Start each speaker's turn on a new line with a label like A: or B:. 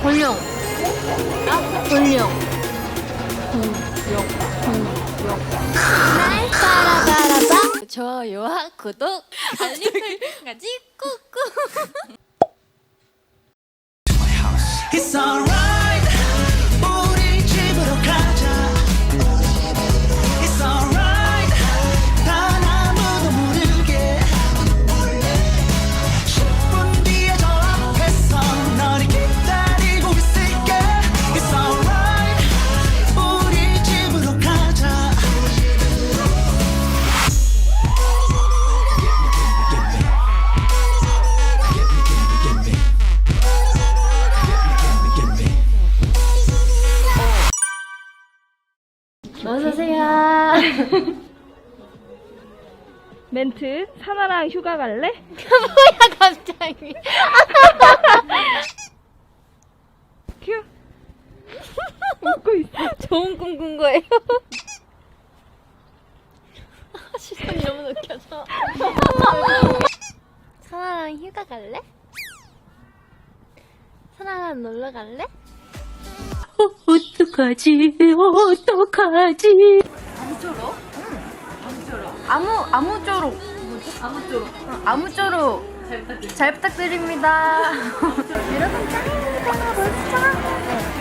A: 볼륨. 볼륨. 날 따라바라봐. 좋아요와 구독, 알림 설정까지 꾹꾹.
B: It's alright. 우리 집으로 가자. It's alright. 단 아무도 모르게 10분 뒤에 저 앞에서 너를 기다리고 있을게. It's alright. 우리 집으로 가자.
A: 어서오세요.
C: 멘트 사나랑 휴가 갈래?
A: 뭐야 갑자기.
C: 큐 웃고 있어.
A: 좋은 꿈 꾼 거예요. 시선이 너무 느껴져. 사나랑 휴가 갈래? 사나랑 놀러 갈래? 어떡하지?
C: 아무쪼록 아무쪼록 잘 부탁드립니다.
A: 여러분 짱입니다. 멋있죠? 네.